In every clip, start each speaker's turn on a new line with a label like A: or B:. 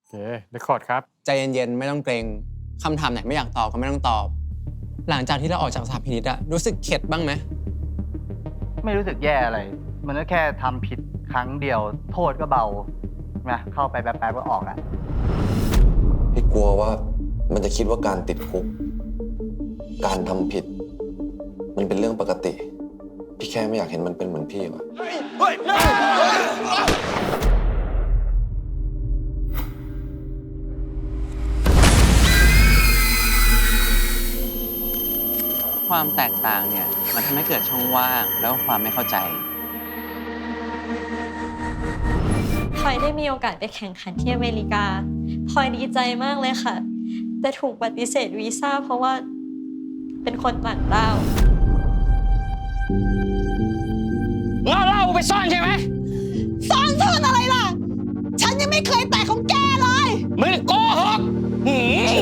A: เคเรคคอร์ดครับ
B: ใจเย็นๆ ไม่ต้องเกรงคำถามไหนไม่อยากตอบก็ไม่ต้องตอบ หลังจากที่เราออกจากสถาพินิจอะรู้สึกเข็ดบ้างไหม
C: ไม่รู้สึกแย่อะไร มันก็แค่ทำผิดครั้งเดียว โทษก็เบานะเข้าไปแป๊บๆก็ออกอะ
D: พี่กลัวว่ามันจะคิดว่าการติดคุก การทำผิด มันเป็นเรื่องปกติ พี่แค่ไม่อยากเห็นมันเป็นเหมือนพี่ว่ะ
B: ความแตกต่างเนี่ยมันทำให้เกิดช่องว่างแล้วก็ความไม่เข้าใจ
E: พลอยได้มีโอกาสไปแข่งขันที่อเมริกาพลอยดีใจมากเลยค่ะ แต่ถูกปฏิเสธวีซ่าเพราะว่าเป็นคนต่างด้าว
F: เหล้าไปซ่อนใช่ไหม
G: ซ่อนอะไรล่ะ ฉันยังไม่เคยแตะของแกเลย
F: มึงโกหกหืม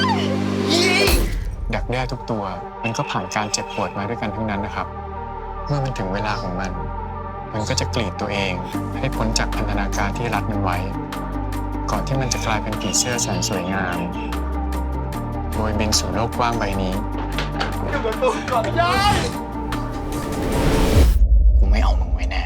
A: ดักแด้ทุกตัวมันก็ผ่านการเจ็บปวดมาด้วยกันทั้งนั้นนะครับ เมื่อมันถึงเวลาของมัน มันก็จะกรีดตัวเองให้พ้นจากพันธนาการที่รัดมันไว้ ก่อนที่มันจะกลายเป็นผีเสื้อแสนสวยงามโดยบินสู่โลกกว้างใบนี้กูไม่เอามึงไว้แน่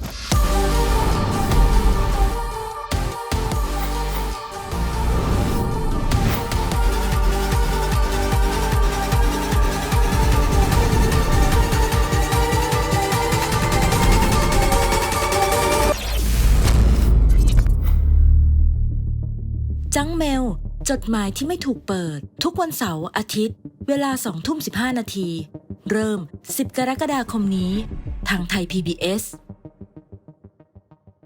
H: จังเมล จดหมายที่ไม่ถูกเปิด ทุกวันเสาร์อาทิตย์ เวลา 20:15 นาที เริ่ม 10 กรกฎาคมนี้ ทางไทย PBS